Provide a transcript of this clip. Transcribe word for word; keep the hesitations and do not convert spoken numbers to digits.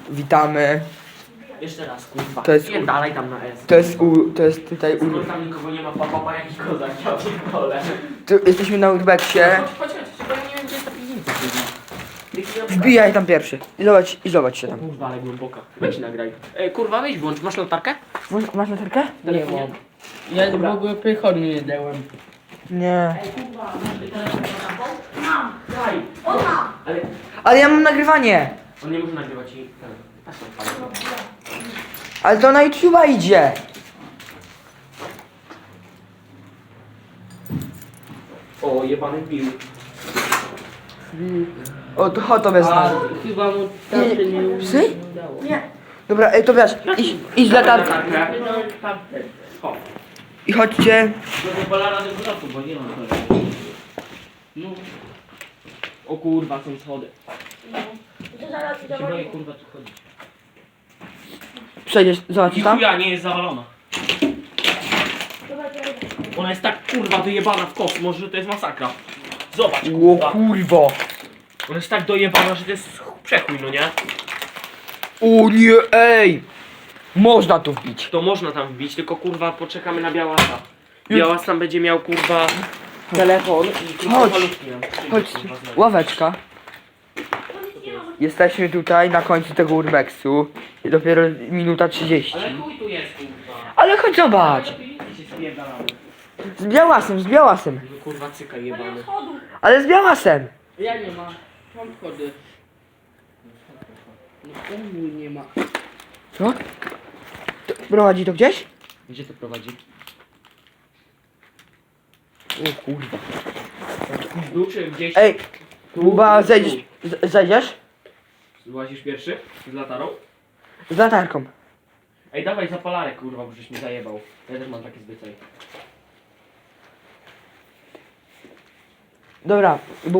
Witamy. Jeszcze raz, kurwa. To jest- Nie dalej tam na S. To jest u, to jest tutaj u... Skoro tam nikogo nie ma, papa, jaki kozak, ja pierdolę. Tu jesteśmy na Urbexie. Chodź, chodź, chodź, bo ja nie wiem, gdzie jest ta piwnica, kurwa. Wbijaj tam pierwszy. I zobacz, i zobacz się O tam. kurwa, ale głęboka. Weź nagraj. Ej, kurwa, weź włącz. Masz latarkę? Masz, masz latarkę? Nie mam. Ja Dobra. w ogóle przychodu nie dałem. Nie. Ej, kurwa, masz telefon na taką? Mam. Daj. Ona! Ale Ale ja mam nagrywanie. on nie może nagrywać i... ten. Patrz na odpalę. Ale to na YouTube'a idzie. O, jebany pił. O, to chodź to bez A nas. chyba mu tam się nie Nie, psy? udało. Nie. Dobra, ej, to wiesz, idź, idź z latarką. Latarkę. No, tamten. O. I chodźcie. No to pola rady wzrostu, bo nie ma to. No. O kurwa, są schody. To zaraz Ja się boję, kurwa, tu chodzić. Przejdziesz, zobaczysz I tam? chuja nie jest zawalona. Ona jest tak kurwa wyjebana w kosmos, że to jest masakra. Zobacz, O kurwa. kurwa. Ona jest tak dojebana, że to jest przechój, no nie? O nie, ej. Można tu wbić. To można tam wbić, tylko kurwa poczekamy na Białasa. Białas tam będzie miał kurwa telefon i kurwa Chodź. malutki nam przyjdzie, Chodź, kurwa, znowu. ławeczka. Jesteśmy tutaj na końcu tego urbexu. I dopiero minuta trzydzieści. Ale chuj tu jest kurwa. Ale chodź zobacz. Ale piwnicy się spierdalamy. Z białasem, z białasem. No kurwa cyka jebany. Ale z białasem. Ja nie ma. Mam schody. No u nie ma. Co? To prowadzi to gdzieś? Gdzie to prowadzi? O kurwa. Tu czy gdzieś? Ej, Kuba, zejdziesz, z- zejdziesz? Złazisz pierwszy? Z latarą? Z latarką. Ej, dawaj zapalarek, kurwa, bo żeś mi zajebał. Ja też mam takie zbycaj. Dobra, bo